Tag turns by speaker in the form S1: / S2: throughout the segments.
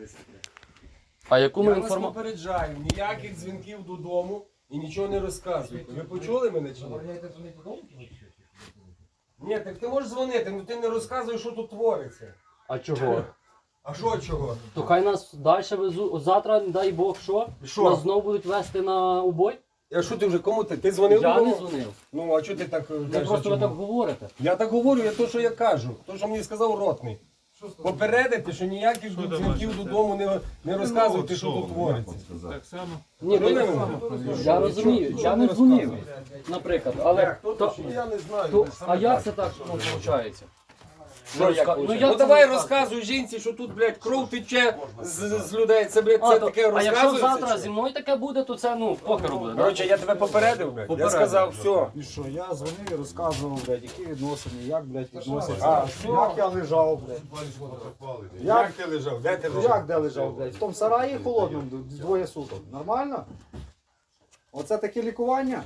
S1: А яку ми
S2: Я вас
S1: інформацію?
S2: попереджаю, ніяких дзвінків додому і нічого не розказуйте. Ви почули мене чи ні? Ні, так ти можеш дзвонити, але ти не розказуєш, що тут твориться.
S1: А чого?
S2: А що чого?
S1: То хай нас далі везуть. Завтра, дай Бог, що?
S2: Що?
S1: Нас знову будуть вести на убой?
S2: А що ти вже кому ти? Ти дзвонив
S1: Я
S2: додому?
S1: не дзвонив.
S2: Ну, а чого ти так
S1: Ви
S2: кажеш?
S1: просто ви
S2: чому?
S1: так говорите.
S2: Я так говорю, я то, що я кажу. То, що мені сказав ротний. Попередити, що ніяких дзвінків додому не розказуйте, що тут твориться.
S3: Так само.
S1: Ні,
S2: Ну,
S1: я розумію, я не дзвонив, наприклад, але
S2: Я не знаю.
S1: то, а як це так виходить?
S2: Ну давай розказуй жінці, що тут, блядь, кров тече з людей. Це, блядь, це таке
S1: а якщо
S2: розказується.
S1: завтра
S2: чи?
S1: зі мною таке буде, то це, ну, покеру буде.
S2: Коротше, я тебе попередив, блядь. Я
S1: Попередив.
S2: сказав, все.
S4: І що, я дзвонив і розказував, блядь, які відносини, як, блядь, відносяться.
S2: А, все.
S4: Як я лежав, блядь.
S2: Як ти лежав? Де ти лежав?
S4: Як де лежав, блядь? В тому сараї холодному двоє суток. Нормально? Оце таке лікування?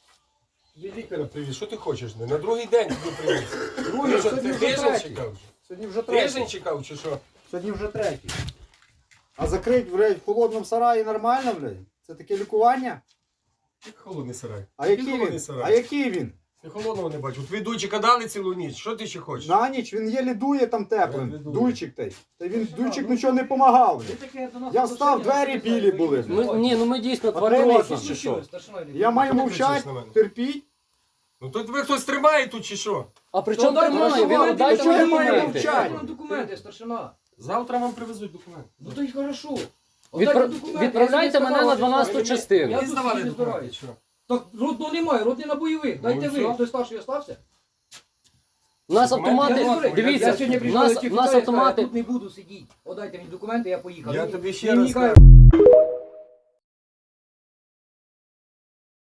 S2: Я лікаря привіз, що ти хочеш? На другий день тобі привіз.
S4: Другий,
S2: Що,
S4: сьогодні
S2: ти
S4: вже
S2: тиждень
S4: третій.
S2: чекав?
S4: Сьогодні вже
S2: Тиждень
S4: третій.
S2: чекав чи що?
S4: Сьогодні вже третій. А закрить, блядь, в холодному сараї нормально, блядь? Це таке лікування?
S2: Як холодний сарай.
S4: А який
S2: холодний
S4: він?
S2: сарай.
S4: А який він?
S2: Я холодного не бачу. Твій дуйчика дали цілу ніч. Що ти ще хочеш?
S4: На ніч він єлі дує там теплим.
S2: Я не дую.
S4: Дуйчик той. Та він дуйчик нічого не помагав. Я встав, двері білі були.
S1: Ні, ну ми дійсно
S4: Тварини
S1: тварини
S4: якісь
S1: якісь чи що?
S4: Я маю
S2: Що ти кричиш
S4: мовчати,
S2: на мене?
S4: терпіть.
S2: Ну то тебе хтось тримає тут чи що?
S1: А при чому тримає? Ви дайте
S4: чого я
S1: мені
S4: маю
S1: документи.
S4: мовчати?
S5: Документи, старшина.
S2: Завтра вам привезуть документи.
S5: Ну то й хорошо.
S1: Відправляйте мене на 12-ту частину.
S2: Мені
S5: тут
S2: здавали
S5: собі
S2: документи.
S5: збираюсь.
S2: Що?
S5: Так родного немає, родний на бойових. Дайте
S2: і
S5: ви.
S2: все.
S5: Хтось старший остався?
S1: У нас
S2: Документи
S1: автомати,
S2: я не
S1: дивіться,
S5: Я сьогодні
S1: у
S5: прийшов
S1: нас
S5: до
S1: автомати.
S5: тут не буду сидіти. Отдайте мені документи, я поїхав.
S2: Я
S5: Ні,
S2: тобі ще
S5: ні,
S2: раз
S5: ні,
S2: кажу.